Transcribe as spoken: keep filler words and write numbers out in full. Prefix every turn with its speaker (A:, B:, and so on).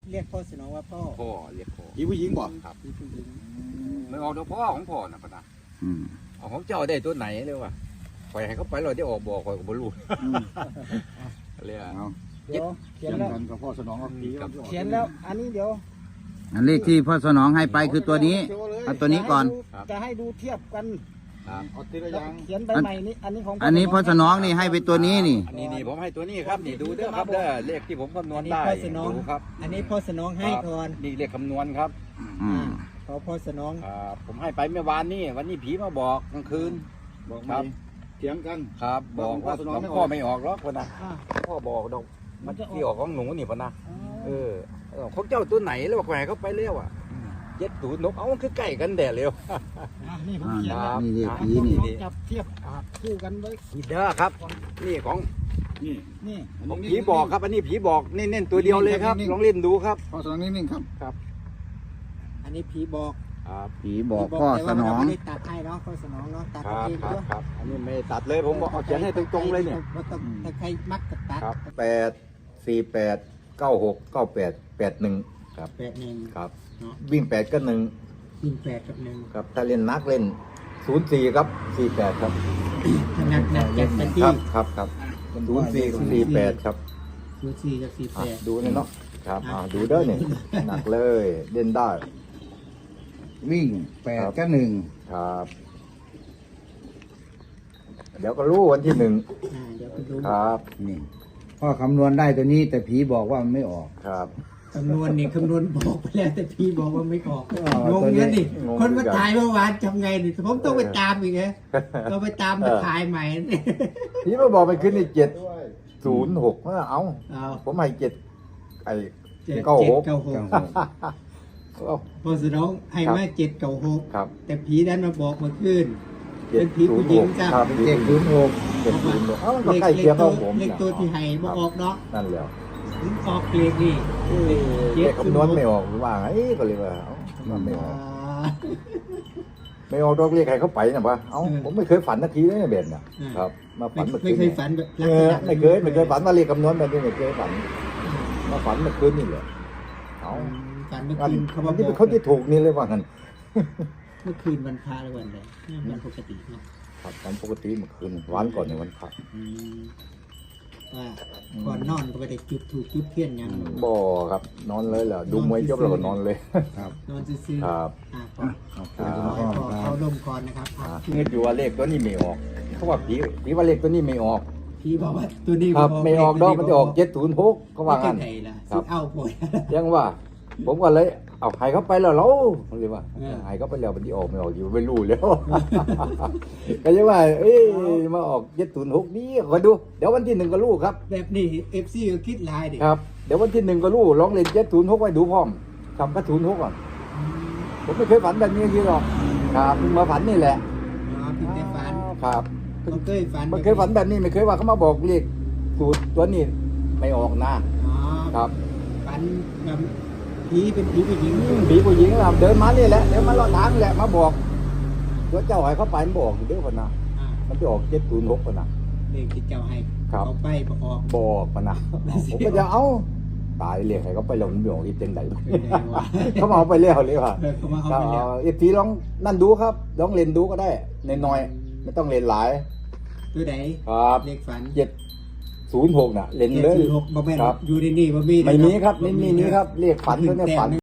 A: เรียกพ่อสนองว่าพ่อ
B: พ่อเรียกพ่อ
C: ผีผู้หญิงบ่
B: ครับ
A: พี่ผู้หญิง
B: ไม่ออกตัวพ่อของพ่อนะปะนะ
C: อืม
B: เอาของเจ้าได้ตัวไหนเลยวะปล่อยให้เขาไปเราได้ออกบอกคอยก็บ่รู้
C: อืม
B: เรียก
C: เอา
A: เดี๋ยวเขี
C: เขี
A: ย
C: ย
A: น
C: น
A: แล้ว
C: กันกับพ่อสนองกับผี
B: ครับ
A: เขียนแล้วอันนี้เดี๋ยว
D: อันเลขที่พ่อสนองให้ไปคือตัวนี้เอาตัวนี้ก่อน
A: จะให้ดูเทียบกัน
B: ครับ
C: เอาทีละอ
A: แล้ว
C: ย่าง
A: เขียนใบใหม่นี้อันนี้ของ
D: อันนี้พ่อสนองนี่ให้ไปตัวนี้นี่
B: อันนี้นี่ผมให้ตัวนี้ครับนี่ดูเด้อครับเด้อเลขที่ผมคำนวณได้
A: พ่อสนอง
B: ดูครับ
A: อันนี้พ่อสนองให้ก่อน
B: นี่เลขคำนวณครับ
D: อืม
A: ขอพ่อสนอง
B: ครับผมให้ไปเมื่อวานนี้วันนี้ผีมาบอกกลางคืน
C: บอก
B: ครั
C: มา
B: บ
C: เถียงกัน
B: ครับ บอกว่า
C: พ่อสนองไม่ออก
B: พ่อไม่ออกหรอกคนนะ
A: อ่า
B: พ่อบอกดอก
A: มั
B: มัน น
A: จะออก
B: ที่ออกของหนูนี่ปะนะ
A: อ๋อ
B: เออเออของเจ้าตัวไหนแล้วว่าแขวเขาไปเร็วอ่ะเจ็ดศูนย์นกเอามันคือใกล้กันแด่เร็ว
A: อ่ะนี่ผมเขียน
B: ครั
A: แล้ว
B: บ
D: นี่เลข
A: อ่ะ
D: ผี
A: พ่อส
D: นี่
A: นองจับเทียบอ่ะคู่กันไว้
B: นี่เด้อครับ นี่ของ
C: นี่
A: นี่
B: ของผีบอกครับ อันนี้ผีบอกเน้นๆตัวเดียวเลยครับลองเล่นดูครับ
C: พ่อสนองนิ่งๆครับ
A: อันนี้ผีบอก
B: ครับ
D: ผีบอกพ่อ
A: แต่
D: ส
A: ว่าน
D: อ
A: เรา
D: ง
A: ไม่ได้ตัดให้เนาะพ่อสนองเนาะตัด
B: ครับ
A: เอง
B: ครับ
A: ด้วย
B: ครับอันนี้ไม่ตัดเลยผมบอกเอาเขียนให้ตรงๆเลยเนี่ย
A: ว่าต้องถ้าใครมักจะตัด
B: ครับแปดสี่แปดเก้าหกเก้าแปดแปดหนึ่งครับ
A: แปดหนึ่ง
B: ครับ
A: เนาะ
B: วิ่งแปดก็หนึ่ง
A: ยิงแปดกับหนึ่ง
B: ครับถ้าเล่นนักเล่นศูนย์สี่ครับสี่แปดครับ
A: ถ้าหนักหนักจัดเป็น
B: ค
A: ที่
B: รับครับครับศูนย์สี่กับสี่แปดครับ
A: ศูนย์สี่กับสี่แป
B: อ่ะ
A: ด
B: ดูนี่เนาะครับอ่าดูเด้อเนี่ยหนักเลยเล่นได้
D: วิ่งแปดก็หนึ่ง
B: ครับ เดี๋ยวก็รู้วันที่หนึ่ง
A: อ่าเดี๋ยวไปดู
B: ครับ
D: นี่พ่อคำนวณได้ตัวนี้ แต่ผีบอกว่ามันไม่ออก
B: ครับ
A: คำนวณนี่คำนวณบอกไปแล้วแต่พี่บอกว่าไม่ออก
D: อ๋อง
A: งเนี่ยนี่
B: งง
A: คนมา
B: เหมือนกัน
A: ถ่ายเมื่อวานทำไงนี่ผมต้องไปตามอีกไงเราไปตามมา
B: เออ
A: ถ่ายใหม่
B: พี่มาบอกไปขึ้นในเจ็ดศูนย์หกเอา
A: เอา
B: ผมให้เจ็ดไอ้
A: เจ็ด
B: เก้าหก
A: เก้าหก
B: เอา
A: พอสนองให้มาเจ็ดเก้าหก
B: ครับ
A: แต่ผีนั้นมาบอกเมาขึ้น
B: เจ็ด
A: เป็นผีผู้หญิงจ้ะ
B: ครับ
D: เจ็ดศูนย์หก
B: เจ็ดศูนย์หกเอ้ามันก็
A: เลข
B: ใกล้เคียงกับผม
A: เลขตัวที่ให้มาออกเนาะ
B: นั่นแหละ
A: ถึงออกเลขนี่
B: เลขคำนวณไม่ออกหรือว่าไงก็เลยว่าเอ้ามันไม่ออก ไม่ออกดอกเรียกใครเขาไปนะปะเอ้าผมไม่เคยฝันนาทีเลยเบนน่ะครับ มาฝันเมื่อ
A: ไม่
B: คืน
A: เคย
B: เนี่ย
A: ฝันแบบ
B: เอ
A: ลักษ
B: อ
A: ณะ
B: ไม่เคยไม่เคยฝันว่าเรียกคำนวณแบบนี้ไม่เคยฝันมาฝันเมื่อคืนนี่แหละเอ้า
A: ฝันเมื่อ
B: วัน
A: คืนเขา
B: วั
A: มาน บ
B: ที่
A: อก
B: เป็นคนที่ถูกนี่เลยว่างั้น
A: เมื่อคืนวันพระหรือวันอะไรวันปกติเนาะ
B: ครับวันปกติเมื่อคืนวันก่อนในวันพระ
A: อืมว่าก่อนนอนก็ไปได้จุดถูกจุดเทียนยัง
B: บ่ครับนอนเลยแหละดูมวยจบแล้วก็นอนเลย
D: ครับ
A: นอนซื่อๆ
B: ครับ
A: อ่ะก่อน
D: โอเค
A: ขอ
D: คุณ
A: ให้
D: พ่อ
A: พ่อ
D: ครั
A: เขา
D: บ
A: ลมก่อนนะครับอ่ะ
B: อ่าเงินอยู่ว่าเลขตัวนี้ไม่ออกเขาว่าผีผีว่าเลขตัวนี้ไม่ออก
A: พี่บอกว่าตัวนี้
B: ครับไม่ออกดอกมันจะออกเจ็ดศูนย์หกเขาว่างั้น
A: ไงล่ะ
B: ครับ
A: สิเอาป่วย
B: ยังว่า ผมก็เลยเอาให้เขาไปแล้วเราเรียกว่า
A: เออ
B: ให้เขาไปแล้วมันที่ออกไม่ออกอยู่ไม่รู้แล้ว ก็ยังว่า เอ้ยมาออกเจ็ดศูนย์หกนี่คอยดูเดี๋ยววันที่หนึ่งก็รู้ครับ
A: แบบนี้เอฟซีก็คิดลายดิ
B: ครับเดี๋ยววันที่หนึ่งก็รู้ลองเล่นเจ็ดศูนย์หกไว้ดูพร้อมทำกระศูนย์หกก่อนผมไม่เคยฝันแบบนี้ทีหรอกครับเพิ่งมาฝันนี่แหละ
A: อ๋อพี่แต่ฝัน
B: ครับเพิ่ง
A: เขาเคยฝัน
B: มันเคยฝันแบบนี้ไม่เคยว่าเขามาบอกเลขสูตรตัวนี้ไม่ออกนะ
A: อ๋อ
B: ครับ
A: ฝันแบบผีเป็นผีผู้หญิง
B: ผีผู้หญิงเราเดินมานี่แหละเดินมาเลาะทางแหละมาบอกตัวเจ้าให้เขาไปมันบอกอยู่เด้อคนนะ
A: อ่า
B: มันจะออกเจ็ดศูนย์หกคนนะ
A: เลขที่เจ้าให้
B: ครับ
A: เขาไปบ่ออก
B: บอกคนนะผมก็จะเอาตายเรียกให้เขาไปแล้วมันบอกอีกจังได
A: เป็นไงวะ
B: เขามาเอาไปแล้วเลยว่ะ
A: เออเขามาเอาไปแล้ว
B: เอฟซีลองนั่นดูครับลองเล่นดูก็ได้ในน้อยๆไม่ต้องเล่นหลาย
A: ตัวไหน
B: ครับ
A: เลขฝัน
B: เจ็ดศูนย์หกน่ะเล่น
A: เจ็ด
B: เลย
A: สี่หกบ่แม่น
B: ครับ
A: อยู่ในนี่บ่มี
B: ไม่มีครับ
A: เนาะ
B: ไม่มีนี้ครับเรียกฝันตัวเนี้ยฝัน